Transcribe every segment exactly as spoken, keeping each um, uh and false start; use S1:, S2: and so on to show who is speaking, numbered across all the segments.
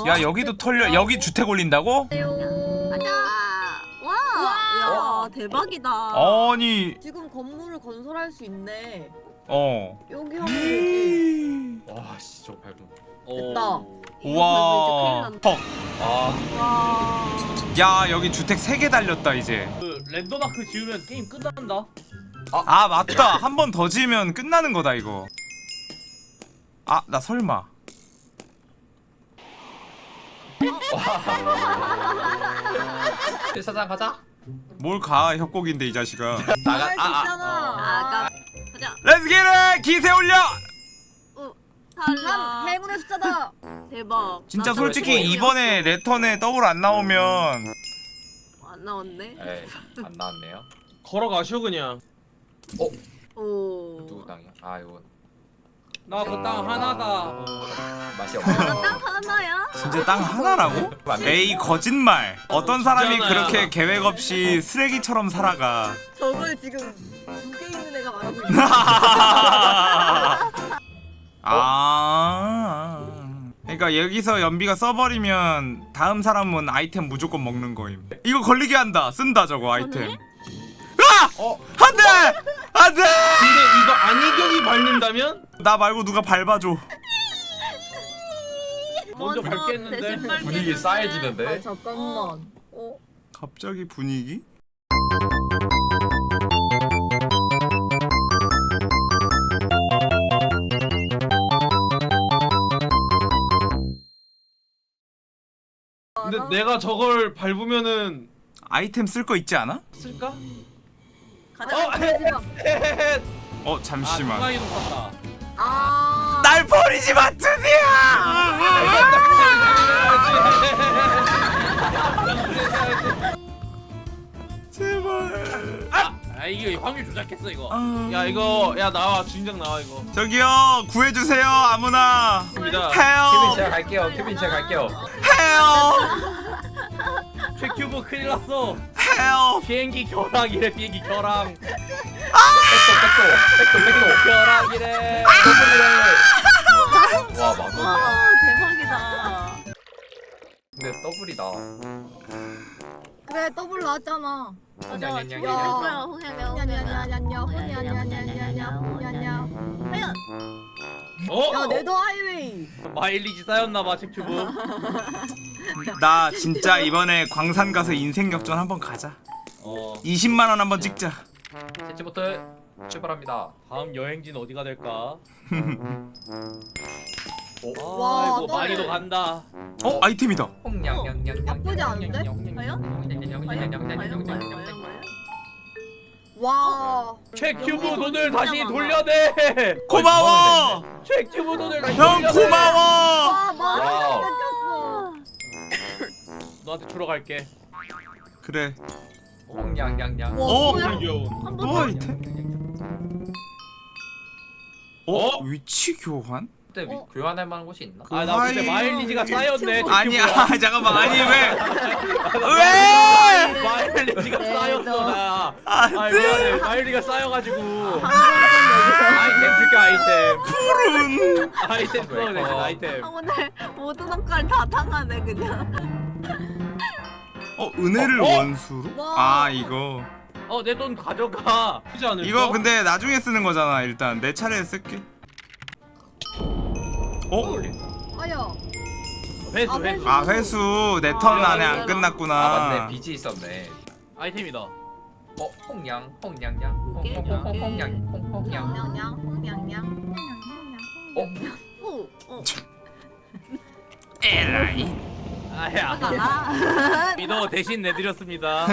S1: 야 여기도 털려. 여기 주택 올린다고?
S2: 가자. 와.
S3: 와.
S2: 야 대박이다.
S1: 아니
S3: 지금 건물을 건설할 수 있네.
S1: 어.
S3: 여기 하면 되지.
S4: 와씨 저거 밟은
S3: 됐다.
S1: 우와. 헉.
S4: 아
S2: 와.
S1: 야 여기 주택 세 개 달렸다 이제.
S5: 그 랜덤마크 지우면 게임 끝난다.
S1: 아 맞다. 한 번 더 지으면 끝나는 거다 이거. 아 나 설마.
S4: 사장 가자.
S1: 뭘 가 협곡인데 이 자식아.
S4: 나가.
S3: 할수
S4: 아, 아,
S3: 있잖아.
S2: 아까 가자.
S1: 렛츠 기릿! 기세 올려!
S2: 어.
S3: 참
S2: 탈락.
S3: 행운의 숫자다.
S2: 대박.
S1: 진짜
S2: 나도
S1: 솔직히
S2: 왜
S1: 이번에 레턴에 더블 안 나오면
S2: 안 나왔네.
S4: 에이 안 나왔네요.
S5: 걸어가시오 그냥.
S2: 오.
S4: 누구 땅이야? 아 이거
S5: 나 그 땅 하나다.
S4: 어, 맛이 없네.
S2: 딱 하나야?
S1: 진짜 땅 하나라고? 에이 거짓말. 어떤 사람이
S5: 진짜나야.
S1: 그렇게 계획 없이 쓰레기처럼 살아가.
S3: 저걸 지금 두 개 있는 애가 말하고 있네.
S1: 아. 그러니까 여기서 연비가 써버리면 다음 사람은 아이템 무조건 먹는 거임. 이거 걸리게 한다. 쓴다 저거 아이템. 아!
S4: 어?
S1: 안돼! 안돼!
S5: 근데 이거 안희경이 밟는다면
S1: 나 말고 누가 밟아줘.
S5: 먼저
S2: 먼저
S5: 밟겠는데?
S2: 대신 밟겠는데?
S4: 분위기 싸해지는데?
S3: 아 잠깐만. 어?
S1: 갑자기 분위기?
S5: 근데 내가 저걸 밟으면은
S1: 아이템 쓸 거 있지 않아?
S5: 쓸까?
S2: 가자.
S5: 어? 헤헤헤.
S1: 어
S5: 아
S1: 잠시만.
S5: 순간이동 탔다.
S3: 아.
S1: 날 버리지 마 드디어! 제발.
S5: 아 이게 확률 조작했어 이거.
S1: 아...
S5: 야 이거 야 나와 주인장 나와 이거.
S1: 저기요 구해주세요 아무나.
S5: 입니다.
S4: 케빈
S1: 해요
S4: 제가 갈게요. 케빈 제가 갈게요.
S1: 해요
S5: 최큐브 큰일 났어.
S1: 해요.
S5: 비행기 결항이래 비행기 결항.
S4: 백도 백도 백도 백도.
S5: 결항이래.
S4: 더블이래. 와 맞아.
S2: 와 대박이다.
S4: 근데 더블이다.
S3: 그래 더블 나왔잖아.
S2: 맞아.
S4: 냥냥냥.
S2: 저기 누구야? 홍해면.
S3: 냐냐냐냐냐 호냐냐냐냐냐 호냐냐.
S2: 과연.
S5: 어?
S3: 야 네더 하이웨이.
S5: 마일리지 쌓였나봐 최큐브.
S1: 나 진짜 이번에 광산 가서 인생 역전 한번 가자.
S5: 어.
S1: 이십만 원 한번 찍자.
S4: 세치부터 출발합니다.
S5: 다음 여행지는 어디가 될까?
S4: 오.
S3: 와,
S5: 아이고
S3: 떠네.
S5: 마리도 간다.
S1: 어 아이템이다.
S4: 홍냥냥냥냥.
S3: 나쁘지 않은데?
S2: 과연? 과연?
S3: 와.
S5: 최큐브
S2: 여기
S5: 돈을
S2: 돈
S5: 다시
S2: 진짜
S5: 돌려내.
S1: 고마워.
S5: 최큐브 돈을 다시
S1: 형
S5: 돌려내.
S1: 고마워.
S3: 와 말을
S4: 와우.
S3: 뺏겼어.
S5: 너한테 주러 갈게.
S1: 그래.
S4: 홍냥냥냥.
S3: 와
S1: 어?
S3: 뭐야?
S5: 귀여운.
S2: 한번
S1: 또
S2: 더.
S1: 아이템? 어?
S5: 어?
S1: 위치 교환?
S4: 그때 위- 교환할 만한 곳이 있나?
S1: 그
S5: 아 나 근데
S1: 하이-
S5: 마일리지가 쌓였네.
S1: 아니야
S5: 최큐브야.
S1: 잠깐만 아니 왜? 왜?
S5: 마일리지가
S3: 네,
S5: 쌓였어
S3: 너.
S5: 나.
S1: 아,
S5: 아 미안해. 마일리가 쌓여가지고.
S2: 아,
S5: 아이템 줄게 아이템.
S1: 푸른.
S5: 아이템 써야 돼 아이템.
S2: 아, 오늘 모든 성깔 다 당하네 그냥.
S1: 어 은혜를
S5: 어? 어?
S1: 원수로?
S3: 와.
S1: 아 이거
S5: 어 내 돈 가져가. 그렇지 않을까?
S1: 이거 근데 나중에 쓰는 거잖아. 일단 내 차례에 쓸게. 어?
S3: 아야.
S5: 회수
S3: 아,
S5: 회수.
S1: 아 회수 내 턴 안에 안
S4: 아
S1: 끝났구나.
S4: 맞네 빚이 있었네.
S5: 아이템이다.
S4: 어 홍냥 홍냥냥
S2: 오케이,
S4: 홍홍홍
S2: 오케이.
S4: 홍냥 홍홍냥.
S3: 냥냥 홍냥냥.
S4: 어?
S2: 오. 어.
S1: 에라이.
S5: 아야.
S2: 가라.
S5: 미도 대신 내드렸습니다.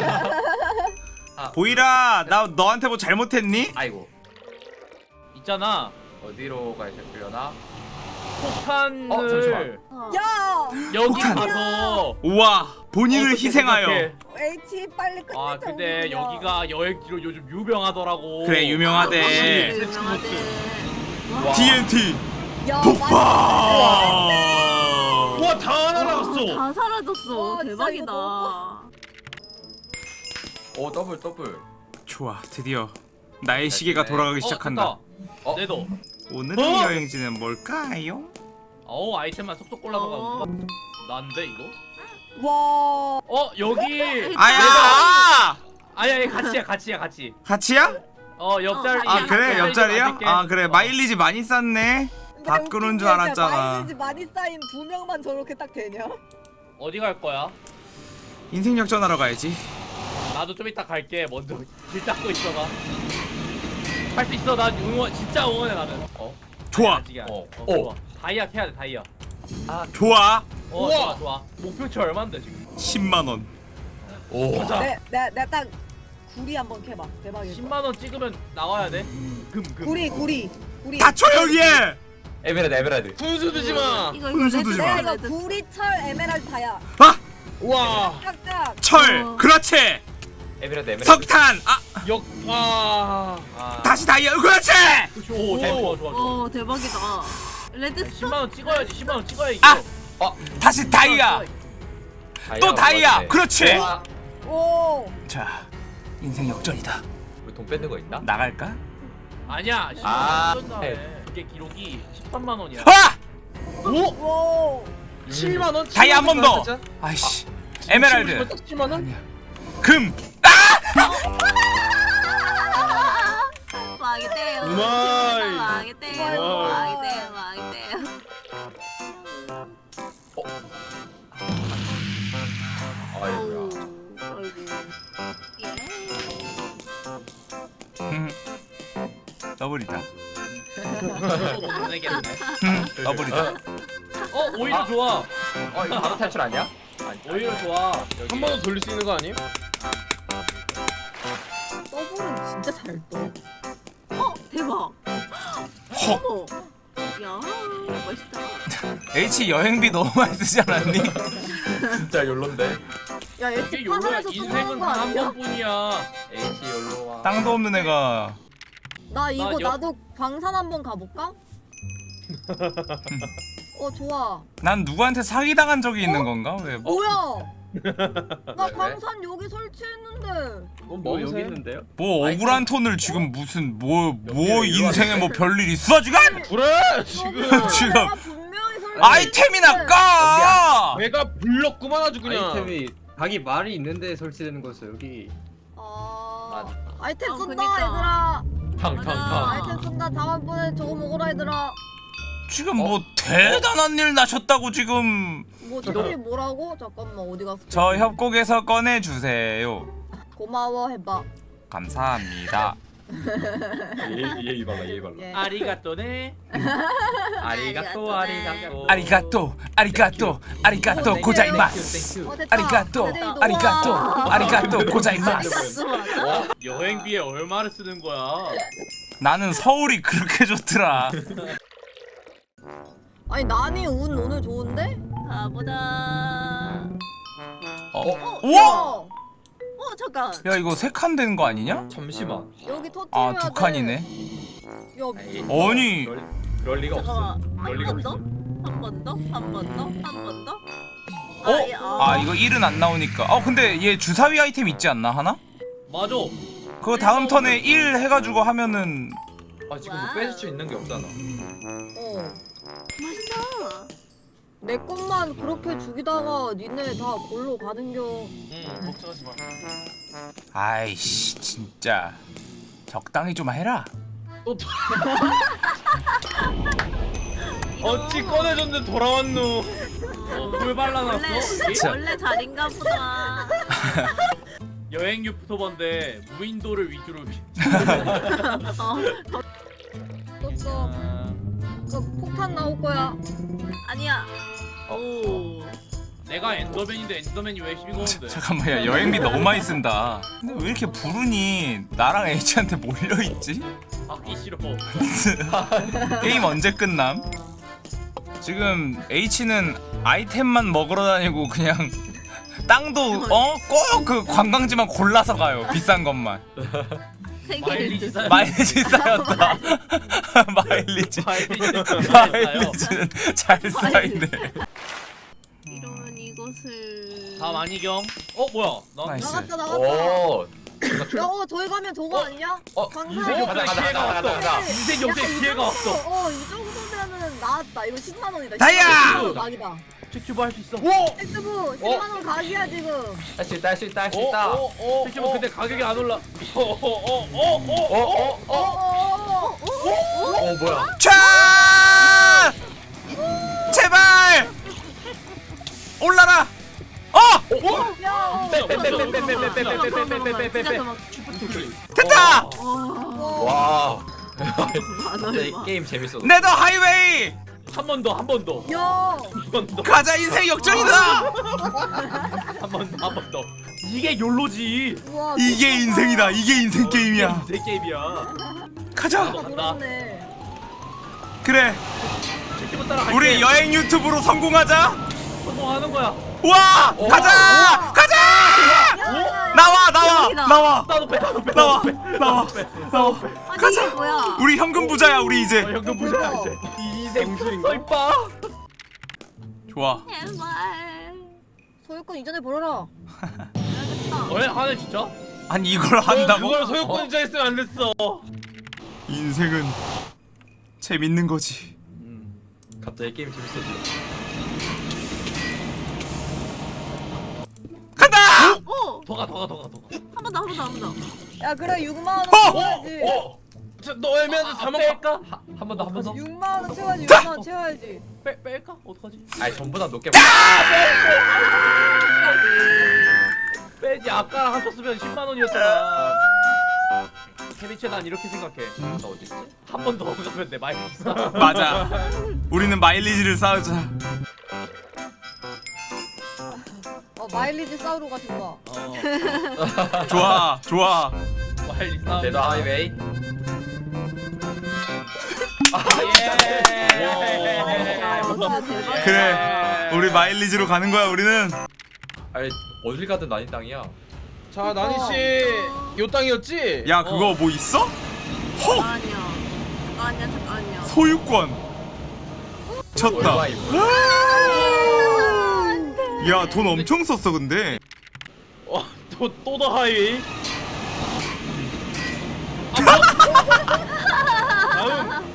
S1: 보이라 나 너한테 뭐 잘못했니?
S4: 아이고
S5: 있잖아.
S4: 어디로 가야 되려나?
S5: 폭탄을
S4: 어, 잠시만.
S2: 어.
S3: 야.
S5: 여기
S1: 폭탄.
S5: 가서
S1: 우와 본인을
S5: 어떻게
S1: 희생하여.
S5: 생각해?
S3: H 빨리 끝내자.
S5: 아 근데
S3: 우리야.
S5: 여기가 여행지로 요즘 유명하더라고.
S1: 그래 유명하대.
S2: 확실히 유명하대.
S5: 와.
S1: 티엔티
S3: 야,
S1: 폭파.
S5: 우와 다 날아갔어.
S2: 다 사라졌어.
S3: 와, 진짜
S2: 대박이다.
S3: 이거
S4: 오 더블 더블.
S1: 좋아 드디어 나의 시계가 돌아가기 시작한다.
S5: 어,
S4: 어?
S5: 내도.
S1: 오늘의
S5: 어?
S1: 여행지는 뭘까요?
S5: 어 아이템만 쏙쏙 골라서
S2: 어.
S5: 가고. 난데 이거?
S3: 와.
S5: 어 여기.
S1: 아야!
S5: 아니 아니 같이야 같이야 같이.
S1: 같이야?
S5: 어 옆자리.
S1: 아 그래 옆자리야?
S5: 만들게.
S1: 아 그래
S5: 어.
S1: 마일리지 많이 쌌네. 밥 끄는 줄 알았잖아.
S3: 마일리지 많이 쌓인 두 명만 저렇게 딱 되냐?
S5: 어디 갈 거야?
S1: 인생 역전하러 가야지.
S5: 나도 좀 이따 갈게. 먼저 길 닦고 있어봐. 할 수 있어. 난 응원 진짜 응원해 나는. 어.
S1: 좋아.
S5: 아직이야.
S4: 어.
S5: 어,
S4: 어.
S5: 좋아. 다이아 해야 돼 다이아.
S1: 좋아.
S5: 어 좋아 좋아. 목표치 얼마인데 지금?
S1: 십만 원.
S4: 오.
S5: 가자.
S3: 내, 내, 내딱 구리 한번 캐봐. 대박이야.
S5: 십만 원 찍으면 나와야 돼. 금 금.
S3: 구리, 구리, 구리.
S1: 다 조용히 해.
S4: 에메랄드 에메랄드.
S5: 분수 두지 마.
S2: 이거
S1: 분수
S2: 레드
S1: 두지
S3: 내가
S1: 마.
S3: 이거
S2: 레드.
S3: 구리, 철, 에메랄드 다야.
S1: 아
S5: 와.
S3: 깍깍.
S1: 철.
S2: 어.
S1: 그렇지.
S4: 에메랄드 에메랄드.
S1: 석탄. 아
S5: 역. 아.
S4: 아.
S1: 다시 다이아. 그렇지.
S5: 오 좋아 좋아 좋아.
S2: 어 대박이다. 레드
S5: 십만 원 찍어야지. 십만 원 찍어야 이겨.
S1: 아!
S4: 어.
S1: 다시 다이아. 또 다이아.
S4: 맞네.
S1: 그렇지.
S4: 와.
S3: 오.
S1: 자 인생 역전이다.
S4: 우리 돈 뺏는 거 있나?
S1: 나갈까?
S5: 아니야.
S4: 아.
S5: 십만 원 다음에 그게 기록이 십삼만 원이야.
S1: 아!
S3: 오.
S5: 칠만 원.
S1: 다이아 한 번 더. 아이씨. 에메랄드.
S5: 칠만 원?
S1: 아니야. 금.
S2: 망이대요.
S5: 우마이.
S2: 망이대요.
S3: 우마이.
S2: 망이대요. 망이대요.
S4: 아이고야.
S2: 아이고. 예.
S1: 음. 더블이다.
S5: 못 내겠네.
S1: 음. 더블이다.
S5: 어 오히려
S4: 아.
S5: 좋아.
S4: 어 이거 바로 탈출 아니야? 아니,
S5: 오히려 좋아.
S4: 여기.
S5: 한 번 더 돌릴 수 있는 거 아니에요?
S3: 더블은 진짜 잘 떠.
S2: 어 대박.
S1: 헉.
S2: 어머. 야 멋있다.
S1: H 여행비 너무 많이 쓰지 않았니?
S4: 진짜 욜로인데.
S3: 야,
S5: 이게
S3: 얘집
S5: 요로야.
S3: 파산해서
S5: 인생은
S3: 쓰는 거
S5: 단 한
S3: 아니야?
S5: 번뿐이야.
S4: H 욜로와.
S1: 땅도 없는 애가
S3: 나 이거
S5: 나 여-
S3: 나도 광산 한번 가볼까? 어 좋아.
S1: 난 누구한테 사기당한 적이 있는 건가? 왜 뭐,
S3: 뭐야? 나
S4: 왜?
S3: 광산 여기 설치했는데.
S4: 뭐 여기 있는데요?
S1: 뭐 억울한 톤을 지금 무슨 뭐 뭐
S4: 여기로
S1: 인생에 뭐 별일 있어 지금?
S5: 그래 지금.
S1: 지금.
S3: 내가 분명히 설치.
S1: 아이템이나 까!
S5: 내가 불렀구만 아주 그냥.
S6: 아이템이 자기 말이 있는데 설치되는 거였어 여기.
S3: 아.
S4: 맞아.
S3: 아이템
S2: 어,
S3: 쏜다
S2: 그니까.
S3: 얘들아.
S4: 탕탕탕.
S3: 아이템 쏜다. 다음번에 저거 먹어라 얘들아.
S1: 지금 뭐 대단한 일 나셨다고 지금
S3: 뭐 저기 뭐라고? 잠깐만 어디 갔어?
S1: 저 협곡에서 꺼내 주세요.
S3: 고마워 해봐.
S1: 감사합니다.
S4: 예의 발라 예의 발라.
S3: 예.
S5: 아리가또네.
S4: 아리가또 아리가또.
S1: 아리가또 아리가또 아리가또 고자이마스.
S3: 어, 됐다.
S1: 아리가또
S3: 그래도
S1: 아리가또
S3: 와.
S1: 아리가또 고자이마스.
S2: 레드 맞아?
S5: 여행비에 얼마를 쓰는 거야?
S1: 나는 서울이 그렇게 좋더라.
S3: 아니 난이 운 오늘 좋은데?
S2: 가보자.
S1: 어? 우와!
S3: 어,
S2: 어 잠깐.
S1: 야 이거 세 칸 되는 거 아니냐?
S4: 잠시만.
S3: 여기 터뜨려야
S1: 아
S3: 돼.
S1: 두 칸이네.
S3: 야,
S4: 에이,
S1: 아니.
S4: 그럴, 그럴 리가 없어.
S2: 잠깐만.
S4: 그럴
S2: 한
S4: 리가
S2: 번 더?
S4: 없어.
S2: 한 번 더? 한 번 더? 한 번 더?
S1: 어?
S2: 예,
S1: 아 이거 일은 안 나오니까. 어 근데 얘 주사위 아이템 있지 않나 하나?
S5: 맞아.
S1: 그거 다음 턴에 일 해가지고 하면은
S4: 아 지금 뭐 뺏을 수 있는 게 없잖아.
S3: 어.
S2: 맛있다.
S3: 내 것만 그렇게 죽이다가 니네 다 골로 가는겨.
S5: 응 걱정하지 마.
S1: 아이씨 진짜 적당히 좀 해라.
S5: 어찌 꺼내줬는데 돌아왔노. 어, 물 발라놨어?
S2: 원래
S1: 진짜.
S2: 원래 자린가 보다.
S5: 여행 유튜버인데 무인도를 위주로.
S2: 어
S3: 떴어. 그 폭탄 나올 거야.
S2: 아니야.
S4: 어.
S2: 오.
S5: 내가 엔더맨인데 엔더맨이 왜 시비 거는데?
S1: 잠깐만 야 여행비 너무 많이 쓴다. 근데 왜 이렇게 부르니 나랑 H한테 몰려 있지?
S5: 받기 싫어.
S1: 게임 언제 끝남? 지금 H는 아이템만 먹으러 다니고 그냥 땅도 어? 꼭 그 관광지만 골라서 가요. 비싼 것만.
S5: 마일리지 쌓여.
S1: 마일리지 쌓였다. 마일리지.
S5: 마일리지
S1: 마일리지는 잘 쌓이네.
S2: 이런 이것을.
S5: 다 많이겸. 어 뭐야? 나
S1: 나이스.
S3: 나갔다 나갔다.
S4: 오.
S3: 야, 어 저기 가면 저거 아니냐?
S4: 어.
S3: 광산.
S5: 인생 역대
S4: 가자, 가자,
S5: 기회가
S4: 가자, 가자,
S5: 왔어.
S4: 가자.
S5: 인생
S3: 야,
S5: 역대
S3: 이
S5: 기회가
S3: 정도-
S5: 왔어.
S3: 어, 이 정도면은 원 나왔다. 이거 십만 원이다.
S1: 다이아!
S3: 십만 원 각이다.
S5: 잭튜브 할 수 있어.
S6: 오!
S3: 엑스부 십만 원 각이야 지금.
S4: 할 수 있다 할 수 있다 할 수
S5: 어,
S4: 있다.
S5: 어, 어, 잭튜브 근데 가격이 안 올라. 어, 어, 어, 어, 어, 어.
S4: 어어어 어 뭐야?
S1: 차! 제발! 올라라! 어!
S3: 야.
S5: 빼빼빼빼빼빼빼빼빼빼빼빼빼빼.
S1: 됐다!
S4: 와.
S2: 안
S4: 진짜 이
S2: 얼마.
S4: 게임 재밌어.
S1: 네더 하이웨이!
S5: 한 번 더, 한 번 더,
S3: 야.
S5: 한 번 더,
S1: 가자 인생 역전이다!
S5: 한 번 더, 한 번 더. 이게 욜로지.
S3: 우와.
S1: 이게 인생이다. 이게 인생 게임이야.
S5: 내 게임이야.
S1: 가자.
S3: 그렇네.
S1: 그래.
S5: 잭튜브 따라 갈게.
S1: 우리 여행 유튜브로 성공하자.
S5: 성공하는 거야.
S1: 와! 가자! 가자! 나와 나와
S2: 여기다.
S1: 나와
S5: 나도 빼, 나도 빼,
S1: 나와
S5: 나도 빼.
S1: 나와 나와.
S2: 아니
S1: 가자.
S2: 이게 뭐야?
S1: 우리 현금 부자야 우리
S5: 어,
S1: 이제.
S5: 현금 부자야 이제. 이 인생 썰빠.
S1: 좋아.
S2: 제발.
S3: 소유권 이전에 벌어라.
S2: 알겠다.
S5: 왜 하네 진짜?
S1: 아니 이걸 한다고?
S5: 그걸 소유권자 했으면 안 됐어.
S1: 인생은 재밌는 거지.
S4: 음. 갑자기 게임 재밌어져.
S1: 간다!
S2: 오!
S5: 더가 더가 더가 더가.
S2: 한 번 더, 한 번 더, 한 번 더.
S3: 야 그래 육만 원
S1: 어!
S3: 채워야지.
S5: 어? 너 애매한데
S4: 아,
S5: 사만
S4: 뺄까?
S5: 뺄까?
S4: 한 번 더 한 번 더.
S3: 육만 원 채워야지. 육만 원 채워야지.
S5: 빼 뺄까? 어떡하지?
S4: 아니 전부 다 높게.
S5: 빼지. 아까랑 합쳤으면 십만 원이었잖아. 케비체 난 이렇게 생각해.
S4: 나 어디 있지?
S5: 한 번 더 가면 돼 마이너스.
S1: 맞아. 우리는 마일리지를 쌓자.
S3: 어 마일리지 싸우러 가신다.
S5: 어.
S1: 좋아 좋아.
S5: 빨리 싸움.
S4: 네더 하이웨이.
S5: 예.
S3: 와 대박.
S1: 그래. 우리 마일리지로 가는 거야 우리는.
S4: 아니 어딜 가든 난이 땅이야.
S6: 자 나니 씨요 땅이었지?
S1: 야 그거 뭐 있어? 헉!
S2: 아니야. 아니야, 잠깐만요.
S1: 소유권. 쳤다.
S4: 얼마 이거?
S1: 야 돈 엄청 썼어 근데.
S5: 또또더 하이웨이. 다음.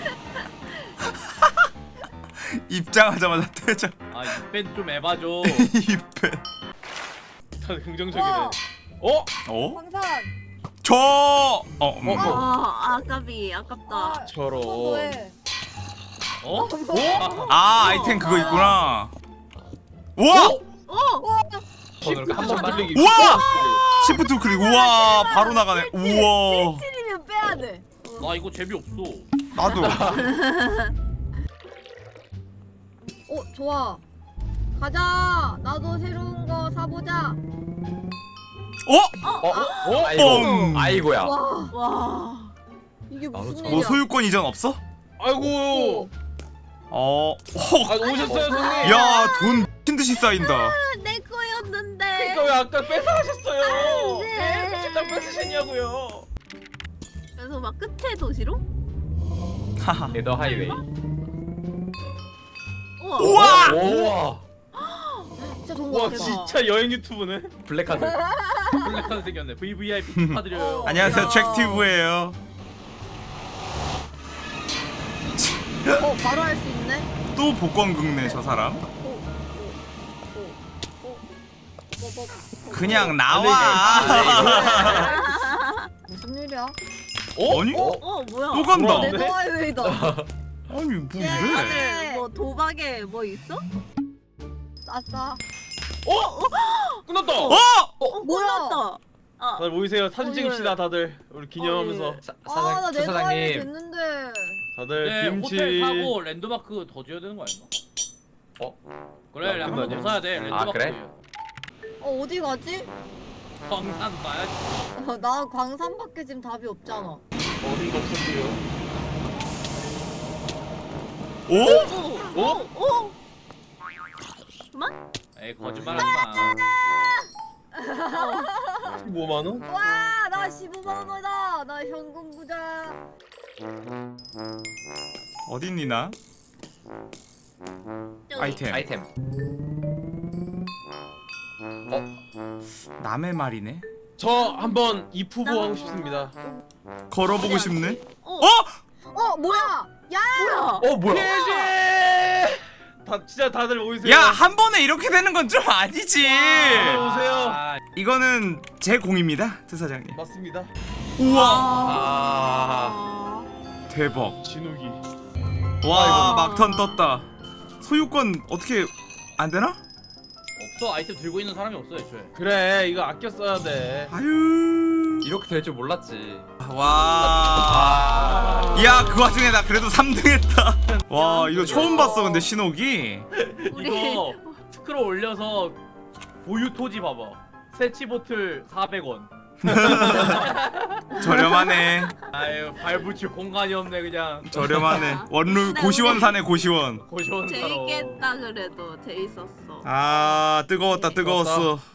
S1: 입장하자마자 퇴장.
S5: 아 이벤 좀 해봐줘.
S1: 이벤.
S5: 다들 긍정적이네.
S3: 와.
S5: 어?
S1: 어?
S3: 황산.
S1: 저. 어. 음.
S2: 아, 아깝이, 아깝다.
S3: 아,
S6: 저런.
S3: 뭐해?
S5: 어?
S3: 어?
S1: 아 아이템 그거 있구나. 우와!
S2: 오!
S4: 번호를 한 번만
S6: 돌리기.
S1: 우와! 시프트 클릭. 우와 바로 나가네. 우와.
S3: 칠이면 빼야 돼.
S5: 나 이거 재미없어.
S1: 나도.
S3: 어 좋아. 가자. 나도 새로운 거 사보자.
S1: 어?
S4: 어?
S2: 어?
S4: 아이고.
S1: 뻥.
S4: 아이고야.
S3: 와
S2: 와.
S3: 이게
S4: 바로
S3: 무슨
S4: 저-
S1: 뭐
S3: 일이야?
S1: 소유권 이전 없어?
S6: 아이고.
S1: 어.
S6: 아
S1: 헉.
S6: 오셨어요 손님.
S1: 야 돈 미친 듯이 쌓인다.
S2: 내 거였는데.
S5: 그러니까 왜 아까 뺏어가셨어요?
S2: 네.
S5: 왜 식당 뺏으셨냐고요?
S2: 그래서 막 끝에 도시로?
S1: 하하.
S4: 네더 하이웨이.
S2: 우와.
S1: 우와!
S4: 우와.
S3: 진짜 좋은
S5: 와
S3: 거 같아.
S5: 진짜 여행 유튜브네.
S4: 블랙카드.
S5: 블랙카드 생겼네. 브이브이아이피 축하드려요.
S3: 어.
S1: 안녕하세요
S2: 야.
S1: 잭튜브예요.
S3: 어 바로 할 수 있네.
S1: 또 복권 긁네 저 사람. 그냥 나와.
S3: 무슨 일이야?
S5: 어?
S1: 아니?
S4: 어?
S2: 어, 뭐야?
S1: 또 간다.
S5: 네.
S3: 네더하이웨이다.
S1: 아니 뭐 이래?
S2: 다들 뭐 도박에 뭐 있어?
S3: 아싸.
S5: 어? 끝났다.
S1: 어?
S2: 어,
S3: 뭐야?
S2: 몰랐다. 아,
S5: 다들 모이세요. 사진
S2: 어,
S5: 찍읍시다
S2: 예.
S5: 다들. 우리 기념하면서.
S4: 사,
S3: 아나
S4: 사장,
S3: 네더하이웨이
S4: 추사장님.
S3: 됐는데.
S5: 다들 네, 김치.
S7: 호텔 사고 랜드마크 더 줘야 되는 거 아닌가?
S4: 어?
S7: 그래,
S5: 아,
S7: 한 번 더
S5: 끝나냐?
S7: 사야 돼. 랜드마크.
S4: 그래?
S3: 어 어디 가지?
S7: 광산 가야지.
S3: 어, 나 광산밖에 지금 답이 없잖아.
S5: 어디가 없었고요.
S1: 오?
S2: 오, 오, 오. 그만?
S7: 에이, 거짓말하지 마.
S5: 십오만 원?
S3: 와, 나 십오만 원이다. 나 현금 부자.
S1: 어딨니 나?
S2: 저기.
S1: 아이템.
S4: 아이템.
S1: 남의 말이네.
S5: 저 한번 이프보 하고 싶습니다.
S1: 걸어보고 싶네.
S2: 어,
S1: 어?
S3: 어, 뭐야?
S2: 뭐야?
S4: 어 뭐야?
S6: 피해지. 다 진짜 다들 모이세요.
S1: 야 한 번에 이렇게 되는 건 좀 아니지.
S6: 다들 오세요.
S7: 아,
S1: 이거는 제 공입니다, 트사장님.
S6: 맞습니다.
S1: 우와
S4: 아.
S1: 대박.
S6: 진욱이.
S1: 와 막턴 떴다. 소유권 어떻게 안 되나?
S7: 없어. 아이템 들고 있는 사람이 없어 애초에.
S6: 그래 이거 아껴 써야 돼.
S1: 아유.
S4: 이렇게 될 줄 몰랐지.
S1: 와. 야 그 와중에 나 그래도 삼 등 했다. 와 이거 처음 봤어 근데 신호기.
S2: 우리
S5: 이거 스크롤 올려서 보유 토지 봐봐. 세치 보틀 사백 원.
S1: 저렴하네.
S5: 아유 발 붙일 공간이 없네 그냥.
S1: 저렴하네. 원룸 고시원 사네 고시원.
S5: 고시원 사러.
S2: 재밌겠다 그래도 재밌었어.
S1: 아 뜨거웠다 뜨거웠어.